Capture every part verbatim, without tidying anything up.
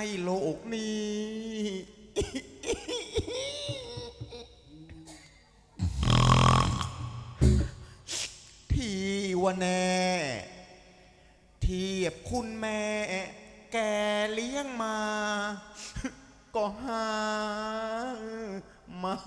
โลกนี้ที่ว่าแน่เทียบคุณแม่แกเลี้ยงมาก็หาไม่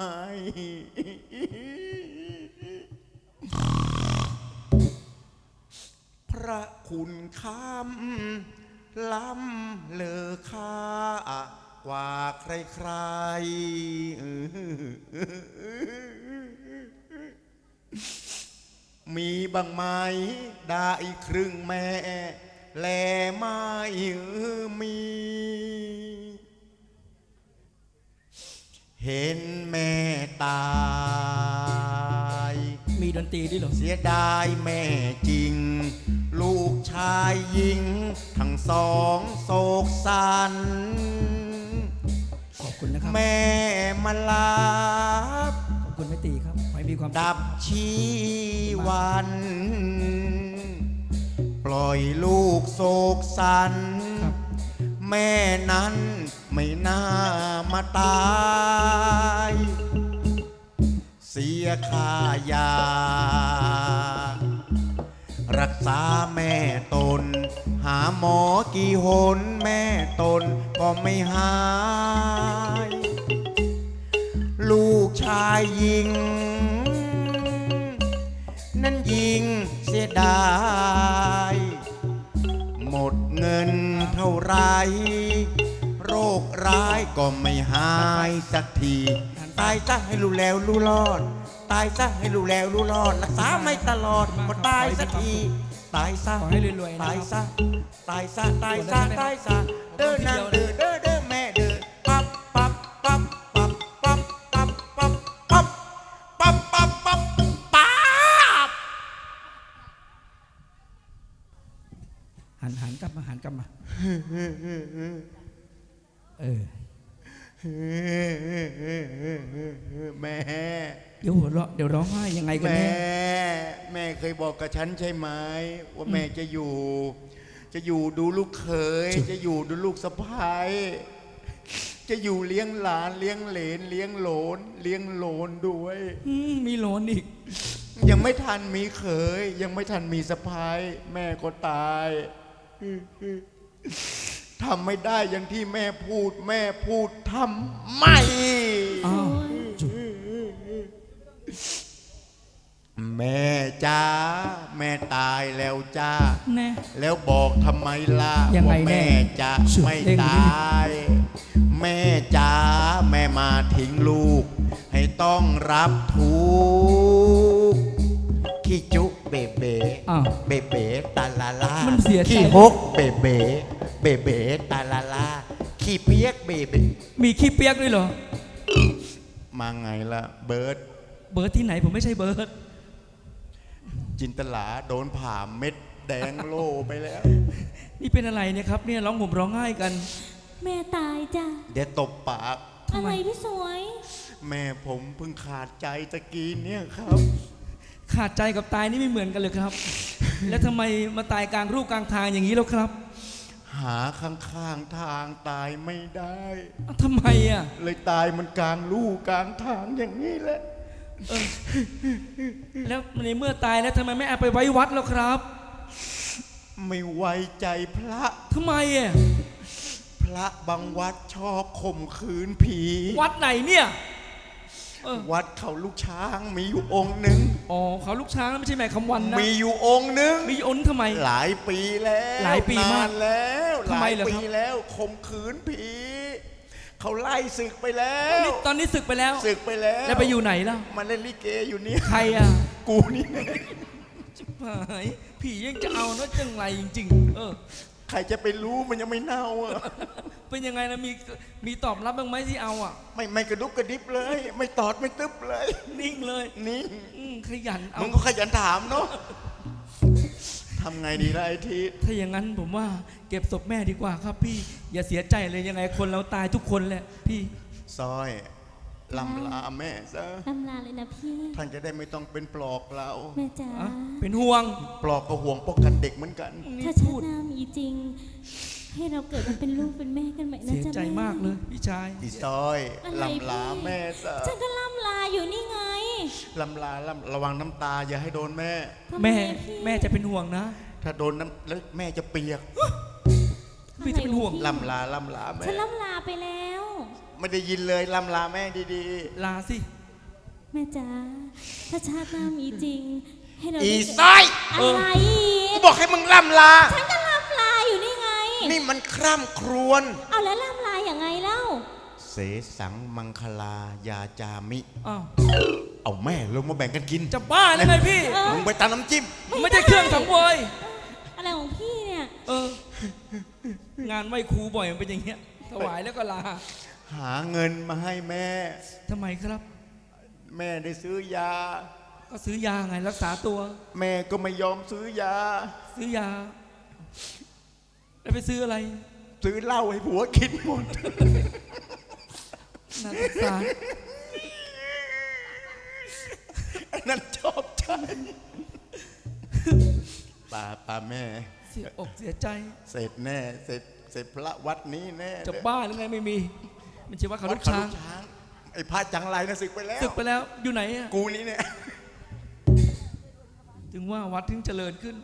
พระคุณคำล้ำเลอค่ากว่าใครๆมีบางไหมได้ครึ่งแม่แลไม่มีเห็นแม่ตายมีดนตรีด้วยเหรอเสียดายแม่จริงลูกชายหญิงทั้งสองโศกสันขอบคุณนะครับแม่มาลาบขอบคุณแม่ตีครับขอให้มีความดับชีวันปล่อยลูกโศกสันแม่นั้นไม่น่ามาตายเสียค่ายารักษาแม่ตนหาหมอกี่หนแม่ตนก็ไม่หายลูกชายยิงนั้นยิงเสียดายหมดเงินเท่าไรโรคร้ายก็ไม่หายสักทีตายซะให้รู้แล้วรู้รอดตายซะให้รู้แล้วรู้รอดรักษาไม่ตลอดก็ตายสักทีตายซะตายซะตายซะตายซะตายซะเดินนางเดินเดินเดินแม่เดินปั๊บปั๊บปั๊บปั๊บปั๊บปั๊บปั๊บปั๊บปั๊บปั๊บปั๊บปั๊บหันหันกลับมาหันกลับมาเออแม่เดี๋ยวหัวเราะเดี๋ยวร้องไห้ยังไงกันแม่แม่เคยบอกกับฉันใช่ไหมว่าแม่จะอยู่จะอยู่ดูลูกเขยจะอยู่ดูลูกสะใภ้จะอยู่เลี้ยงหลานเลี้ยงเหลนเลี้ยงโหลนเลี้ยงโหลนด้วยมีโหลนอีกยังไม่ทันมีเขยยังไม่ทันมีสะใภ้แม่ก็ตายทำไม่ได้อย่างที่แม่พูดแม่พูดทำไม่แม่จ้าแม่ตายแล้วจ้าแล้วบอกทำไมล่ะว่าแม่จะไม่ตายแม่จ้าแม่มาทิ้งลูกให้ต้องรับทุกข์ขี้จุเบเบเบเบตาลาลาขี้ฮกเบเบเบเบตาลาลาขี้เปียกเบเบมีขี้เปียกด้วยเหรอมาไงล่ะเบิร์ดเบิร์ดที่ไหนผมไม่ใช่เบิร์ดจินตลาโดนผ่าเม็ดแดงโลไปแล้วนี่เป็นอะไรเนี่ยครับเนี่ยร้องห่มร้องไห้กันแม่ตายจ้ะเดี๋ยวตบปากอะไรพี่สวยแม่ผมเพิ่งขาดใจตะกี้เนี่ยครับขาดใจกับตายนี่ไม่เหมือนกันเลยครับ แล้วทำไมมาตายกลางรูปกลางทางอย่างนี้แล้วครับหาข้างๆทางตายไม่ได้ทำไมอ่ะเลยตายมันกลางลู่กลางทางอย่างนี้แหละแล้วในเมื่อตายแล้วทำไมไม่เอาไปไว้วัดแล้วครับไม่ไว้ใจพระทำไมอ่ะพระบางวัดชอบข่มขืนผีวัดไหนเนี่ยวัดเขาลูกช้างมีอยู่องค์หนึ่งอ๋อเขาลูกช้างไม่ใช่แม่คำวันนะมีอยู่องค์หนึ่งมีองค์ทำไมหลายปีแล้วหลายปีมากแล้วหลายปีแล้วข่มขืนผีเขาไล่ศึกไปแล้วตอนนี้ศึกไปแล้วศึกไปแล้วแล้วไปอยู่ไหนแล้วมันเล่นลิเกอยู่นี่ใครอ่ะกูนี่ชิบหายผียังจะเอานะจังไรจริงๆเออใครจะไปรู้มันยังไม่เน่าอ่ะเป็นยังไงนะมีมีตอบรับบ้างไหมที่เอาอ่ะไม่ไม่กระดุกกระดิบเลยไม่ตอดไม่ตึ๊บเลยนิ่งเลยนิ่งขยันเอามึงก็ขยันถามเนาะทำไงดีล่ะไอ้ทีถ้าอย่างนั้นผมว่าเก็บศพแม่ดีกว่าครับพี่อย่าเสียใจเลยยังไงคนเราตายทุกคนแหละพี่ซอยลำลาแม่ซะลำลาเลยนะพี่ท่านจะได้ไม่ต้องเป็นปลอกเราแม่จ๋าเป็นห่วงปลอกก็ห่วงป้องกันเด็กเหมือนกันถ้าชาติหน้ามีจริงให้เราเกิดมาเป็นลูกเป็นแม่กันใหม่นะเสียจ๊ะใจแม่มากเลยพี่ชายอีซอยอะไรลำลาพี่แม่ซะฉันก็ล่ำลาอยู่นี่ไงลำลาลำระวังน้ำตาอย่าให้โดนแม่ทำไแม่พี่แม่จะเป็นห่วงนะถ้าโดนน้ำแล้วแม่จะเปียกพี่จะเป็นห่วงอะไรลำลาลำลาแม่ฉันล่ำลาไปแล้วไม่ได้ยินเลยลำลาแม่ดีลาสิแม่จ๋าถ้าชาติหน้ามีจริง ให้เราๆ อีได้ซอยอะไรกูบอกให้มึงลำลาฉันก็ล่ำลาอยู่นี่ไงนี่มันคร่ำครวญเอาแล้วล่ำลาอย่างไงเล่าเสสังมังคลายาจามิอ้าวเอาแม่ลงมาแบ่งกันกินจะบ้าแล้วไงพี่เออมึงไปตามน้ำจิ้มไม่ใช่เครื่องสังเวยอะไรของพี่เนี่ยเออ งานไหว้ครูบ่อยมันเป็นอย่างเงี้ยถวายแล้วก็ลาหาเงินมาให้แม่ทำไมครับแม่ได้ซื้อยาก็ซื้อยาไงรักษาตัวแม่ก็ไม่ยอมซื้อยาซื้อยา แล้วไปซื้ออะไรซื้อเหล้าให้ผัวกินหมดน่าสงสารไอ้นั่นชอบใจป่าป่าแม่เสียอกเสียใจเสร็จแน่ เสร็จเสร็จพระวัดนี้แน่จะบ้าหรือไงไม่มี มันชื่อว่าเขาวัลูดกเขาช้าลูงกช้าง ไอ้พระจังไรนะศึกไปแล้วศึกไปแล้วอยู่ไหนอะกูนี้เนี่ยถึงว่าวัดถึงเจริญขึ้น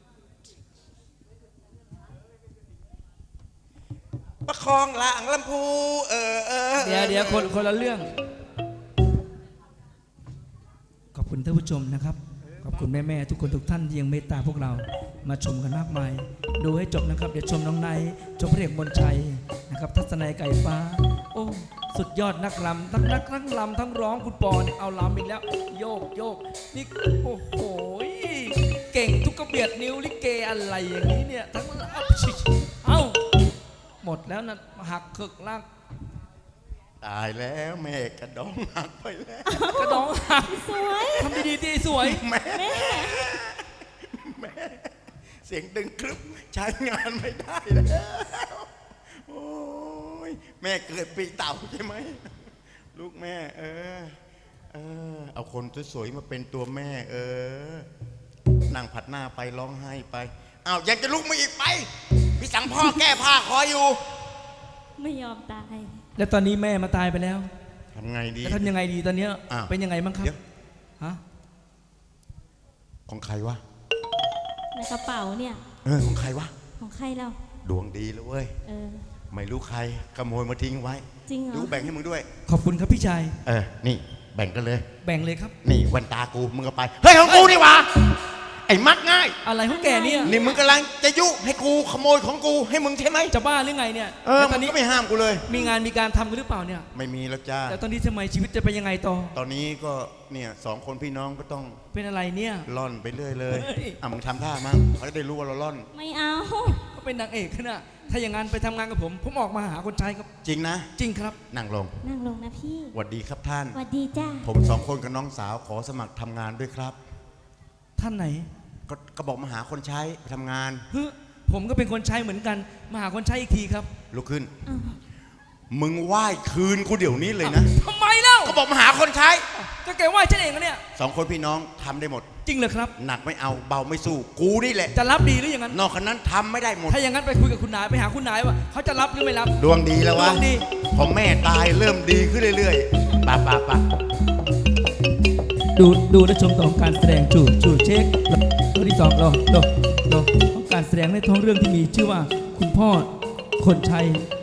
ประคองหลังลำพูเออเออเดี๋ยวเดี๋ยวคนคนละเรื่อง ขอบคุณท่านผู้ชมนะครับ ขอบคุณแม่แม่ๆทุกคนทุกท่านที่ยังเมตตาพวกเรามาชมกันมากมาย ดูให้จบนะครับ เดี๋ยวชมน้องไนท์ชมพระเอกมนชัยนะครับทัศนัยไก่ฟ้า โอ้สุดยอดนักลำทั้งนักทั้งลำทั้งร้องคุณปอเนี่ยเอาลำอีกแล้ว โยกโยกนี่โอ้โหเก่งทุกกระเบียดนิ้วลิเกอะไรอย่างนี้เนี่ยทั้งเอาชิเอ้าหมดแล้วนะหักเคิกลากตายแล้วแม่กระดองหักไปแล้วกระดองหักสวยทำดีๆที่สวยแม่แม่แม่เสียงดึงครึบใช้งานไม่ได้แล้วโอ้ยแม่เกิดปีเต่าใช่ไหมลูกแม่เออเออเอาคนสวยๆมาเป็นตัวแม่ เออนั่งผัดหน้าไปร้องไห้ไปอ้าวยังจะลุกมาอีกไปพี่สั่งพ่อแก้ผ้าคอยอยู่ไม่ยอมตายแล้วตอนนี้แม่มาตายไปแล้วทำไงดีแล้วทำยังไงดีตอนเนี้ยอ้าวเป็นยังไงบ้างครับเดี๋ยวฮะของใครวะในกระเป๋าเนี่ยเออของใครวะของใครเราดวงดีแล้วเว้ยเออไม่รู้ใครขโมยมาทิ้งไว้จริงเหรอรู้แบ่งให้มึงด้วยขอบคุณครับพี่ชายเออ นี่แบ่งกันเลยแบ่งเลยครับนี่แวันตากู มึงก็ไป เฮ้ยของกูนี่หวะไอ้มักง่ายอะไรของแกเนี่ยนี่มึงกำลังจะยุให้กูขโมยของกูให้มึงใช่ไหมจะบ้าหรือไงเนี่ยเออแล้วตมัอนนนี้ก็ไม่ห้ามกูเลยมีงานมีการทำกันหรือเปล่าเนี่ยไม่มีแล้วจ้าแล้วตอนนี้ทำไมชีวิตจะเป็นยังไงต่อตอนนี้ก็เนี่ยสองคนพี่น้องก็ต้องเป็นอะไรเนี่ยล่อนไปเรื่อยเลยเฮ้ยอ่ะมึงทำท่ามั่งเขาจะได้รู้ว่าเราล่อนไม่เอาก็เป็นนางเอกนะถ้าอย่างนั้นไปทำงานกับผม ผมออกมาหาคนใช้ครับจริงนะจริงครับนั่งลงนั่งลงนะพี่สวัสดีครับท่านสวัสดีจ้าผมสองคนกับน้องสาวขอสมัครทำงานด้วยครับท่านไหนก็ก็บอกมาหาคนใช้ไปทำงานฮึผมก็เป็นคนใช้เหมือนกัน มาหาคนใช้อีกทีครับลุกขึ้นอ้าวมึงไหว้คืนกูเดี๋ยวนี้เลยนะทำไมเล่าก็บอกมาหาคนใช้ก็แกว่าฉันเองนะเนี่ยสองคนพี่น้องทำได้หมดจริงเหรอครับหนักไม่เอาเบาไม่สู้ กูนี่แหละจะรับดีหรืออย่างนั้นนอกจากนั้นทำไม่ได้หมดถ้าอย่างนั้นไปคุยกับคุณนายไปหาคุณนายว่าเขาจะรับหรือไม่รับดวงดีแล้ววะดวงดีพอแม่ตายเริ่มดีขึ้นเรื่อยๆปะปะปะดูดูและชมต่อของการแสดงจูจูเช็คตัวที่สองรอรอรอของการแสดงในท้องเรื่องที่มีชื่อว่าคุณพ่อคนชัย